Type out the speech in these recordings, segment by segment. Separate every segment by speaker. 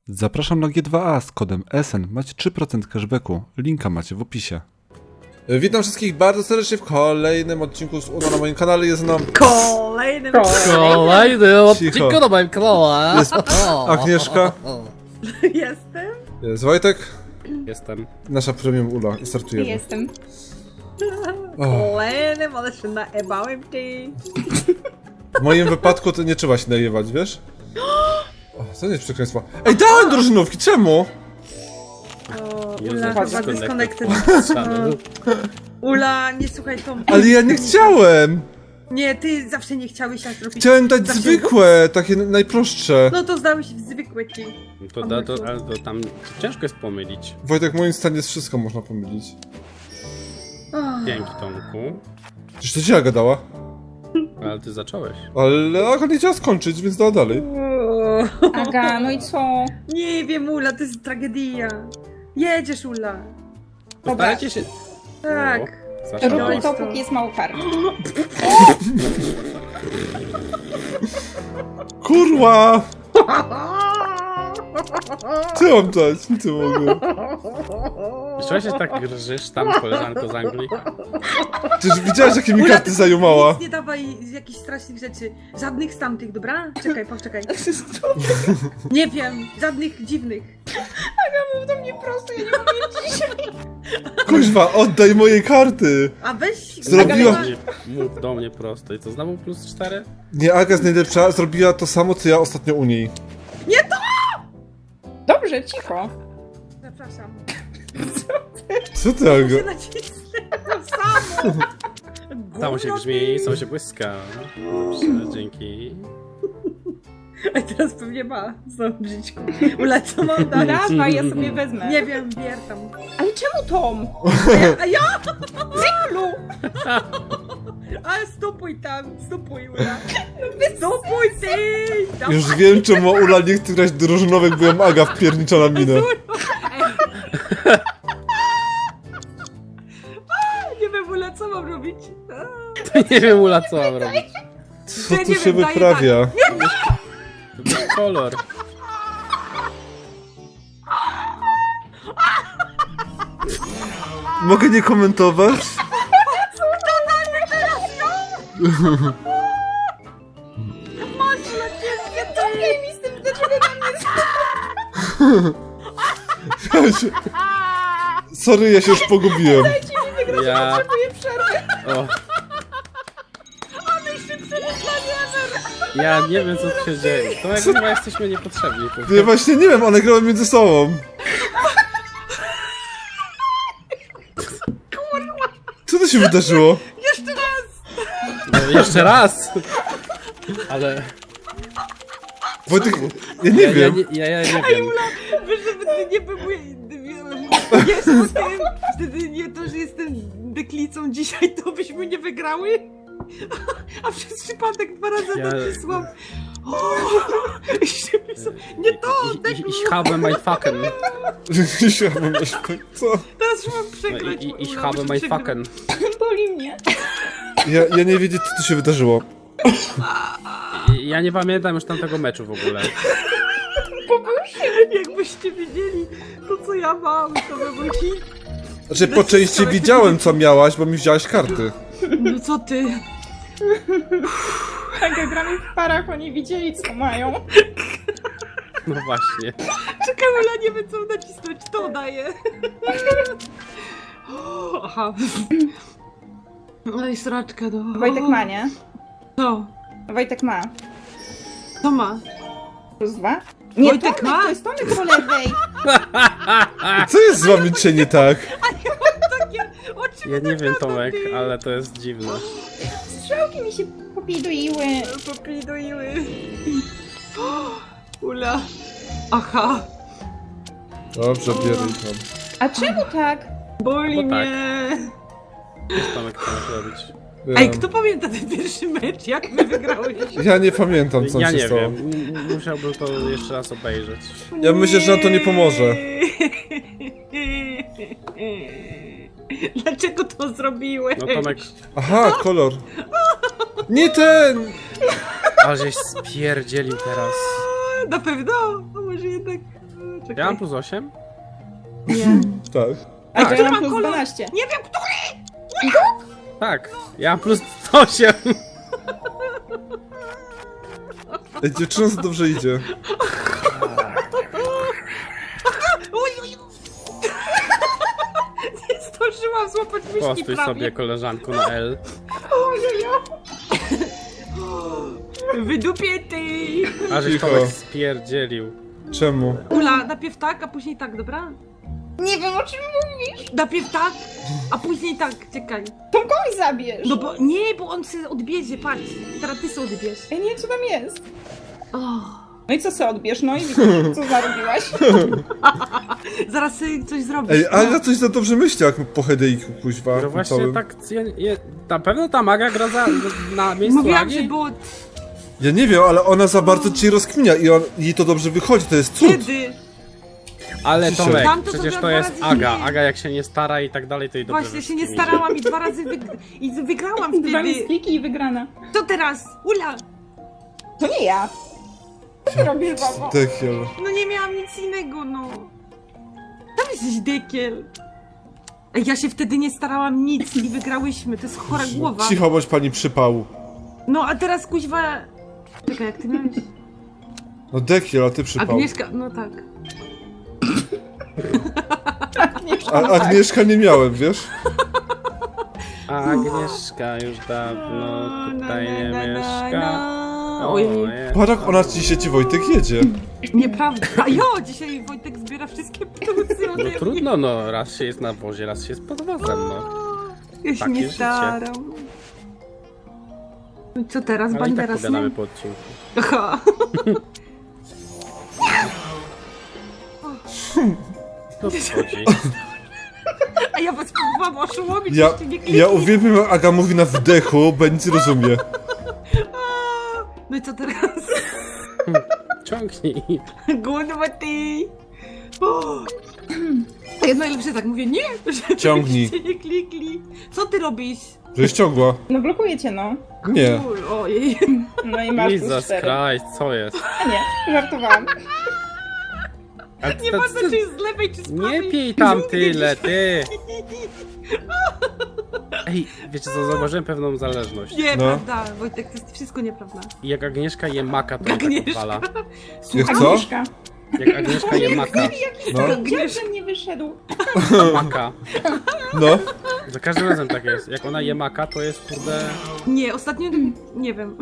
Speaker 1: Zapraszam na G2A z kodem SN. Macie 3% cashbacku. Linka macie w opisie. Witam wszystkich bardzo serdecznie w kolejnym odcinku z UNO na moim kanale. Jest nam
Speaker 2: Kolejny
Speaker 1: Cicho.
Speaker 3: odcinku na moim kanale.
Speaker 1: Jest Agnieszka,
Speaker 2: Jestem?
Speaker 1: jest Wojtek,
Speaker 3: Jestem.
Speaker 1: nasza premium Ula. I startujemy.
Speaker 4: Jestem.
Speaker 2: Kolejnym, ale się naebałem ty.
Speaker 1: W moim wypadku to nie trzeba się najewać, wiesz? O, to nie jest przekleństwo. Ej, dałem drużynówki, czemu?
Speaker 2: O,
Speaker 3: User
Speaker 2: Ula chyba
Speaker 3: disconnected.
Speaker 2: disconnected. Ula, nie słuchaj Tom.
Speaker 1: Ale ja nie chciałem!
Speaker 2: Nie, ty zawsze nie chciałeś tak robić.
Speaker 1: Chciałem dać
Speaker 2: Zawsze-
Speaker 1: zwykłe, takie najprostsze.
Speaker 2: No to zdałeś w zwykłe ci.
Speaker 3: Ale to tam ciężko jest pomylić.
Speaker 1: Wojtek, w moim stanie wszystko można pomylić.
Speaker 3: Dzięki, Tomku.
Speaker 1: Przecież to ci Aga dała.
Speaker 3: Ale ty zacząłeś.
Speaker 1: Ale Aga nie chciała skończyć, więc dała dalej.
Speaker 4: Aga, no i co?
Speaker 2: Nie wiem, Ula, to jest tragedia. Jedziesz, Ula.
Speaker 3: Postarajcie się...
Speaker 2: Tak.
Speaker 3: O, zaczęłaś.
Speaker 4: Rób to, póki jest mało kar.
Speaker 1: Kurwa! Co mam dać? Nic nie mogę.
Speaker 3: Czemu się tak grżysz tam, koleżanko z Anglii?
Speaker 1: Przecież widziałeś, jakie mi
Speaker 2: Ula,
Speaker 1: karty zajumała.
Speaker 2: Nic nie dawaj z jakichś strasznych rzeczy. Żadnych z tamtych, dobra? Czekaj, poczekaj. Nie wiem, żadnych dziwnych.
Speaker 4: Mów do mnie prosto, ja nie umiem dzisiaj.
Speaker 1: Kuźwa, oddaj moje karty!
Speaker 2: A weź...
Speaker 1: Zrobiła-
Speaker 2: Aga,
Speaker 3: Mów do mnie prosto. I co, znowu plus 4?
Speaker 1: Nie, Aga jest najlepsza, zrobiła to samo, co ja ostatnio u niej.
Speaker 4: Dobrze, cicho.
Speaker 2: Zapraszam.
Speaker 1: Co ty, Aga?
Speaker 2: Muszę nacisnę to samo.
Speaker 3: Samo się
Speaker 2: Gówno
Speaker 3: grzmi,
Speaker 2: ty.
Speaker 3: samo się błyska. Dobrze, dzięki.
Speaker 2: A teraz pewnie ma znowu brzydźku. Ula, co mam dać?
Speaker 4: Dawaj, ja sobie wezmę.
Speaker 2: Nie wiem, bier tam.
Speaker 4: Ale czemu Tom?
Speaker 2: A ja?
Speaker 4: Cyklu!
Speaker 2: Ale stopuj tam, stopuj, Ula. Stopuj ty! Dawaj.
Speaker 1: Już wiem, czemu Ula nie chce grać drużynowych, bo ją Aga wpiernicza na minę.
Speaker 2: Nie wiem, Ula, co mam robić?
Speaker 3: Nie wiem, Ula, co mam robić.
Speaker 1: Co
Speaker 2: Ja
Speaker 1: tu
Speaker 2: nie
Speaker 1: się
Speaker 2: wiem, daję
Speaker 1: wyprawia?
Speaker 3: Wybierz kolor.
Speaker 1: Mogę nie komentować?
Speaker 4: Nie topiaj mi z tym, dlaczego na mnie
Speaker 1: Sorry, ja się już pogubiłem.
Speaker 3: Ja...
Speaker 4: zaczęuje przerwy?
Speaker 3: O. Ja nie wiem, co tu się dzieje. To jak chyba jesteśmy niepotrzebni.
Speaker 1: Ja właśnie nie wiem, one grały między sobą. Co to się wydarzyło?
Speaker 3: No, jeszcze raz! Ale...
Speaker 1: Wojtek, ja nie wiem.
Speaker 3: Ja nie wiem.
Speaker 2: Wiesz, żeby ty nie był wiesz o tym, wtedy nie to, że jestem deklicą dzisiaj, to byśmy nie wygrały? A przez przypadek 2 razy nacisłam. Nie to,
Speaker 3: Ich habe mein Faken.
Speaker 1: Co?
Speaker 2: teraz już mam przegrać.
Speaker 3: Ich
Speaker 2: Ula,
Speaker 3: habe
Speaker 2: muszę
Speaker 3: mein
Speaker 2: przegrać.
Speaker 3: Faken.
Speaker 4: Boli mnie.
Speaker 1: Ja nie wiedzieć, co tu się wydarzyło.
Speaker 3: Ja nie pamiętam już tamtego meczu w ogóle.
Speaker 2: Jakbyście wiedzieli to, co ja mam, to by był hit.
Speaker 1: Znaczy, po części widziałem, co miałaś, bo mi wziąłaś karty.
Speaker 2: No co ty?
Speaker 4: Aga, gramy w parach, oni widzieli, co mają.
Speaker 3: No właśnie.
Speaker 2: Czekaj, Ula, nie wiem, co nacisnąć, to daje. Aha. No i sraczka, no.
Speaker 4: Wojtek ma, nie?
Speaker 2: Co?
Speaker 4: Wojtek ma.
Speaker 2: Co ma?
Speaker 4: +2? Nie,
Speaker 2: Wojtek
Speaker 4: Tomek,
Speaker 2: ma?
Speaker 4: to jest Tomek po lewej.
Speaker 1: Co jest z wami dzisiaj nie tak?
Speaker 2: Takie oczy
Speaker 3: Ja nie wiem, Tomek,
Speaker 2: ty.
Speaker 3: ale to jest dziwne.
Speaker 4: Strzałki mi się popidoiły.
Speaker 2: Popiduiły. Ula. Aha.
Speaker 1: Dobrze, bierę tam.
Speaker 4: A czemu tak?
Speaker 2: Boli
Speaker 3: Bo tak.
Speaker 2: mnie.
Speaker 3: Co Tomek chce robić?
Speaker 2: Ej, kto pamięta ten pierwszy mecz? Jak my wygrałyśmy?
Speaker 1: Ja nie pamiętam, co
Speaker 3: Ja
Speaker 1: się
Speaker 3: nie
Speaker 1: stało.
Speaker 3: wiem. Musiałbym to jeszcze raz obejrzeć.
Speaker 1: Ja myślę, że nam to nie pomoże.
Speaker 2: Dlaczego to zrobiłeś?
Speaker 3: No Tomek,
Speaker 1: Aha, kolor. Nie ten!
Speaker 3: ale żeś spierdzielił teraz.
Speaker 2: Na pewno. No może że jednak... Czekaj.
Speaker 3: Ja mam plus 8?
Speaker 2: Nie.
Speaker 1: Tak.
Speaker 4: A to ja
Speaker 2: ma
Speaker 4: mam plus
Speaker 2: kolor?
Speaker 4: 12.
Speaker 2: Nie wiem, który!
Speaker 3: Tak, ja mam plus 8.
Speaker 1: Ej, dziewczynom za dobrze idzie.
Speaker 2: Uj, uj. Nie zdążyłam złapać myszki
Speaker 3: Postuj
Speaker 2: prawie.
Speaker 3: sobie koleżanku na L.
Speaker 2: Wydupię ty!
Speaker 3: A żeś
Speaker 1: Cicho.
Speaker 3: Tomek spierdzielił.
Speaker 1: Czemu?
Speaker 2: Ula, najpierw tak, a później tak, dobra?
Speaker 4: Nie wiem, o czym mówisz.
Speaker 2: Najpierw tak, a później tak, czekaj.
Speaker 4: Tomkowi zabierz.
Speaker 2: No bo, nie, bo on się odbierze, patrz. Teraz ty sobie odbierz.
Speaker 4: Ja nie wiem, co tam jest.
Speaker 2: Oh.
Speaker 4: No i co se odbierz? No i widzisz, co zarobiłaś?
Speaker 2: Zaraz sobie coś zrobisz.
Speaker 1: Ej, ale ja coś za dobrze myślę, jak po headeiku, kuźwa.
Speaker 3: No właśnie
Speaker 1: całym.
Speaker 3: tak, na pewno ta maga gra na miejscu
Speaker 2: Mówiłam,
Speaker 3: Agi?
Speaker 2: że było
Speaker 1: Ja nie wiem, ale ona za bardzo ci rozkminia i jej to dobrze wychodzi, to jest cud.
Speaker 2: kiedy.
Speaker 3: Ale
Speaker 1: Ciszej.
Speaker 3: Tomek,
Speaker 2: Tam to
Speaker 3: przecież
Speaker 2: zrobiła
Speaker 3: to
Speaker 2: dwa
Speaker 3: jest
Speaker 2: razy
Speaker 3: Aga.
Speaker 2: mniej.
Speaker 3: Aga jak się nie stara i tak dalej, to i dobrze
Speaker 2: Właśnie się nie
Speaker 3: wszystkim
Speaker 2: starałam i 2 razy i wygrałam
Speaker 4: Dwa
Speaker 2: wtedy.
Speaker 4: miskliki i wygrana.
Speaker 2: Co teraz? Ula!
Speaker 4: To nie ja. Co ty robisz, babo?
Speaker 1: Dekiel.
Speaker 2: No nie miałam nic innego, no. Tam jesteś dekiel. Ej, ja się wtedy nie starałam nic i wygrałyśmy, to jest chora głowa.
Speaker 1: Cicho bądź pani przypału.
Speaker 2: No a teraz kuźwa... Czekaj, jak ty miałeś?
Speaker 1: No dekiel, a ty przypał.
Speaker 2: Agnieszka, no tak.
Speaker 4: Nie
Speaker 1: A Agnieszka nie miałem, wiesz?
Speaker 3: A Agnieszka już dawno tutaj nie mieszka.
Speaker 2: Ojej,
Speaker 1: Patrz jak ona ci Wojtek jedzie.
Speaker 2: nieprawda. A jo, dzisiaj Wojtek zbiera wszystkie plusy ode
Speaker 3: No
Speaker 2: mnie.
Speaker 3: trudno, no. Raz się jest na wozie, raz się jest pod wozem, no.
Speaker 2: Ja się
Speaker 3: Takie
Speaker 2: nie
Speaker 3: życie.
Speaker 2: staram. No i co teraz?
Speaker 3: Ale i tak
Speaker 2: Banderas,
Speaker 3: pogadamy
Speaker 2: nie?
Speaker 3: po odcinku.
Speaker 2: Aha.
Speaker 3: No wchodzi.
Speaker 2: A ja was próbowałam oszołomić,
Speaker 1: Ja,
Speaker 2: jeszcze nie kliknij.
Speaker 1: ja uwielbiam jak Aga mówi na wdechu, bo nic nie rozumie.
Speaker 2: No i co teraz?
Speaker 3: Ciągnij.
Speaker 2: Głodowa ty! O! A ja najlepsze tak mówię, nie! Żebyście
Speaker 1: Ciągnij.
Speaker 2: nie klikli. Co ty robisz?
Speaker 1: Żeś ciągła.
Speaker 4: No blokuję cię, no.
Speaker 1: Nie.
Speaker 2: Ojej.
Speaker 4: No i masz plus
Speaker 3: Jesus
Speaker 4: 4.
Speaker 3: Christ, co jest?
Speaker 4: A nie, żartowałam.
Speaker 3: Ale
Speaker 2: Nie patrzę, czy jest z lewej, czy z prawej.
Speaker 3: Nie pij tam tyle, ty! Ej, wiecie co, zauważyłem pewną zależność.
Speaker 2: Nie,
Speaker 1: No.
Speaker 2: prawda, Wojtek, to jest wszystko nieprawda.
Speaker 3: I jak Agnieszka je maka, to mnie tak
Speaker 2: Agnieszka.
Speaker 3: odwala.
Speaker 1: Jak co?
Speaker 4: Agnieszka.
Speaker 3: Jak Agnieszka je maka.
Speaker 1: No,
Speaker 4: Dziad ze mnie wyszedł.
Speaker 3: Maka.
Speaker 1: no.
Speaker 3: Za każdym razem tak jest. Jak ona je maka, to jest kurde...
Speaker 2: Nie, ostatnio nie wiem.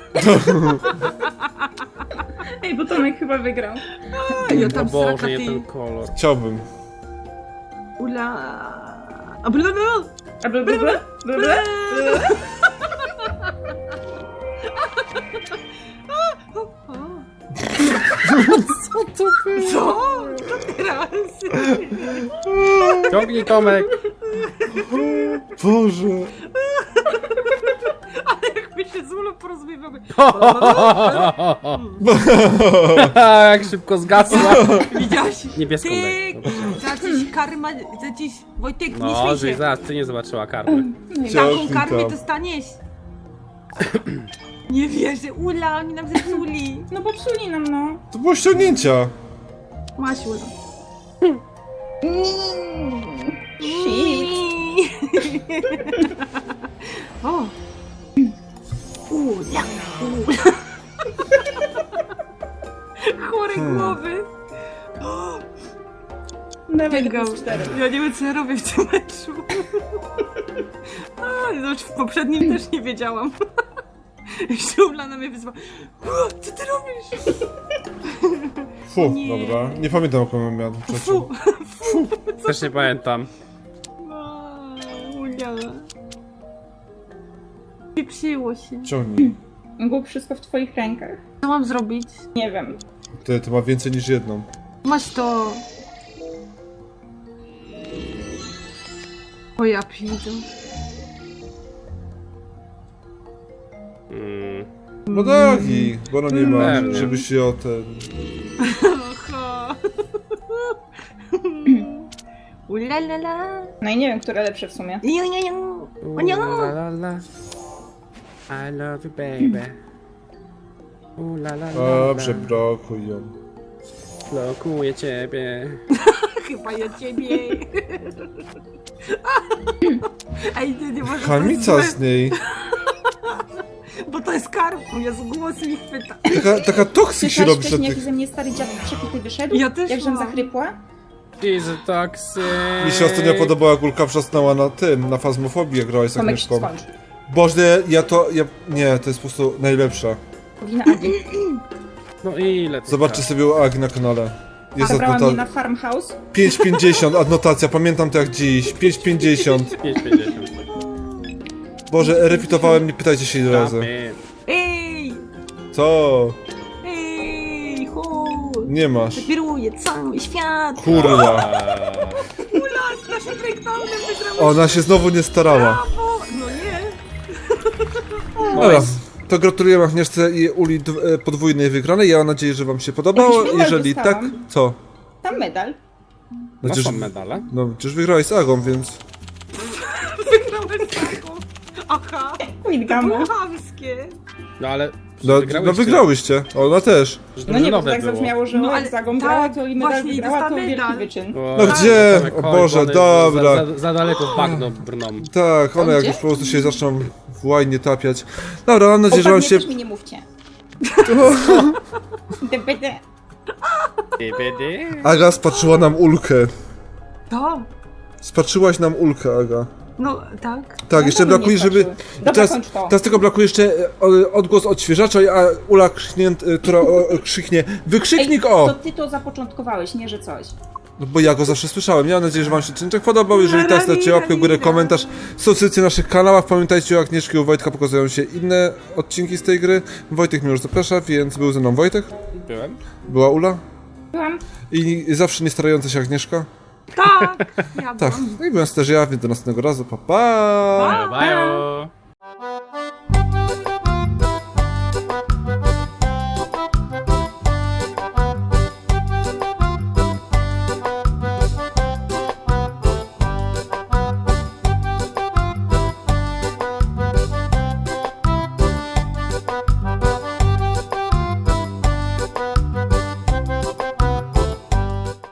Speaker 4: Ej, bo Tomek chyba wygrał.
Speaker 2: Ja
Speaker 3: O
Speaker 2: tam
Speaker 3: Boże,
Speaker 2: sraka
Speaker 3: nie
Speaker 2: ty.
Speaker 3: ten kolor.
Speaker 1: Chciałbym.
Speaker 2: Ula. A bla bla.
Speaker 4: A bla bla bla? Bla bla?
Speaker 2: Co to było? Co? Co teraz?
Speaker 3: Ciągnij, Tomek!
Speaker 1: Boże.
Speaker 2: Jak my się z Ulą porozumiewamy.
Speaker 3: Jak szybko zgasła.
Speaker 2: Widziałaś?
Speaker 3: Niebieską
Speaker 2: Ty,
Speaker 3: daj.
Speaker 2: za dziś karma, za dziś, Wojtek, nie
Speaker 3: No,
Speaker 2: śmiej
Speaker 3: żeś
Speaker 2: się.
Speaker 3: zaraz ty nie zobaczyła karmy.
Speaker 2: Taką
Speaker 1: Ciągnij
Speaker 2: karmę
Speaker 1: tam.
Speaker 2: dostaniesz. Nie wierzę, Ula, oni nam zepsuli.
Speaker 4: No popsuli nam, no.
Speaker 1: To było ściągnięcia.
Speaker 2: Masz, Ula.
Speaker 4: Shit.
Speaker 2: O. Ula, Ula. Chore głowy.
Speaker 4: Dawaj
Speaker 2: Sięgam.
Speaker 4: plus 4.
Speaker 2: Ja nie wiem, co ja robię w tym meczu. A, znaczy w poprzednim też nie wiedziałam. Jeszcze Ula na mnie wyzwała. Co ty robisz?
Speaker 1: Fu,
Speaker 2: Nie.
Speaker 1: dobra. Nie pamiętam jaką miałem
Speaker 2: Fu, fu.
Speaker 3: Też nie pamiętam.
Speaker 2: Ulia. Pieprzyło się.
Speaker 1: Ciągnij.
Speaker 4: Było wszystko w twoich rękach.
Speaker 2: Co mam zrobić?
Speaker 4: Nie wiem.
Speaker 1: To ma więcej niż jedną.
Speaker 2: Masz to. O ja piję.
Speaker 1: No dagi, bo ona nie ma,
Speaker 3: Pewnie.
Speaker 1: żeby się o ten...
Speaker 2: Oho. Ulalala.
Speaker 4: No i nie wiem, które lepsze w sumie.
Speaker 2: Niu, niu, niu. O nie.
Speaker 3: La, la, la. I love you, baby. La, la, la, la.
Speaker 1: Dobrze, blokuj ją.
Speaker 3: Blokuję ciebie.
Speaker 2: Chyba ja ciebie. Ej, nie może.
Speaker 1: Chamica z niej.
Speaker 2: Bo to jest karku, jest głos mi chwyta.
Speaker 1: Taka toksyk się robi na
Speaker 4: wcześniej, jak
Speaker 1: tych...
Speaker 4: ze mnie stary dziad przepity wyszedł?
Speaker 2: Ja też
Speaker 4: Jak żem
Speaker 2: mam.
Speaker 4: zachrypła?
Speaker 3: Jezu, toksy.
Speaker 1: Mi się ostatnio podobała, jak Ulka wrzasnęła na tym, na fazmofobii, jak grałaś z
Speaker 4: Tomek,
Speaker 1: Agnieszką.
Speaker 4: skończ.
Speaker 1: Boże, nie, to jest po prostu najlepsza.
Speaker 4: Powinna Agi.
Speaker 3: No ile to
Speaker 1: Zobaczcie sobie u Agi na kanale. Jest
Speaker 4: Zabrała mnie na
Speaker 1: adnotacja.
Speaker 4: farmhouse.
Speaker 1: 5,50 adnotacja, pamiętam to jak dziś. 5,50.
Speaker 3: 5,50.
Speaker 1: Boże, repitowałem, nie pytajcie się ile razy.
Speaker 2: Ej!
Speaker 1: Co?
Speaker 2: Ej! Ho!
Speaker 1: Nie masz.
Speaker 2: Kieruje cały świat!
Speaker 1: Kurwa.
Speaker 2: Ula, z naszym breakdownem wygrałeś!
Speaker 1: Ona się znowu nie starała.
Speaker 2: Brawo! No nie!
Speaker 1: Dobra, to gratuluję Agnieszce i Uli podwójnej wygranej. Ja mam nadzieję, że wam się podobało.
Speaker 4: Jakiś medal
Speaker 1: Jeżeli tak,
Speaker 4: dostałam.
Speaker 1: co?
Speaker 4: Tam medal.
Speaker 3: No
Speaker 1: Przecież,
Speaker 3: są medale.
Speaker 1: no, przecież wygrałeś z Agą, więc...
Speaker 2: Wygrałeś taką! Aha! To
Speaker 4: Widgamo.
Speaker 2: było chamskie!
Speaker 3: No ale...
Speaker 1: No wygrałyście. Ona też.
Speaker 4: No nie, bo tak zabrzmiało, że
Speaker 2: No,
Speaker 4: no,
Speaker 2: ale
Speaker 4: jak Zagą
Speaker 2: tak,
Speaker 4: grała, to i medal
Speaker 2: właśnie, i
Speaker 4: wygrała, to
Speaker 2: dostała
Speaker 4: wielki
Speaker 2: medal.
Speaker 4: wyczyn.
Speaker 1: No gdzie? O Boże, dobra.
Speaker 3: Za daleko w bagno brną.
Speaker 1: Tak, one jak
Speaker 4: gdzie?
Speaker 1: już po prostu się zaczną w łajnie tapiać. Dobra, mam nadzieję, że wam się...
Speaker 4: też mi nie mówcie. DPD.
Speaker 1: Aga spatrzyła nam Ulkę.
Speaker 2: To?
Speaker 1: Spatrzyłaś nam Ulkę, Aga.
Speaker 2: No, tak.
Speaker 1: Tak, jeszcze
Speaker 4: to mnie
Speaker 1: brakuje, żeby...
Speaker 4: spatrzyły. Dobra,
Speaker 1: Teraz,
Speaker 4: kończ to.
Speaker 1: teraz tylko brakuje jeszcze odgłos odświeżacza, a Ula która krzyknie wykrzyknik
Speaker 4: To
Speaker 1: o!
Speaker 4: ty to zapoczątkowałeś, nie że coś.
Speaker 1: No bo ja go zawsze słyszałem. Ja mam nadzieję, że wam się odcinek podobał. Jeżeli tak, dajcie łapkę w górę, komentarz, subskrypcję na naszych kanałach. Pamiętajcie, u Agnieszki i u Wojtka pokazują się inne odcinki z tej gry. Wojtek mnie już zaprasza, więc był ze mną Wojtek.
Speaker 3: Byłem.
Speaker 1: Była Ula.
Speaker 4: Byłam.
Speaker 1: I zawsze nie starająca się Agnieszka.
Speaker 2: Tak! Ja
Speaker 1: Tak, no i byłem też ja, więc do następnego razu. Pa, pa!
Speaker 3: Bye.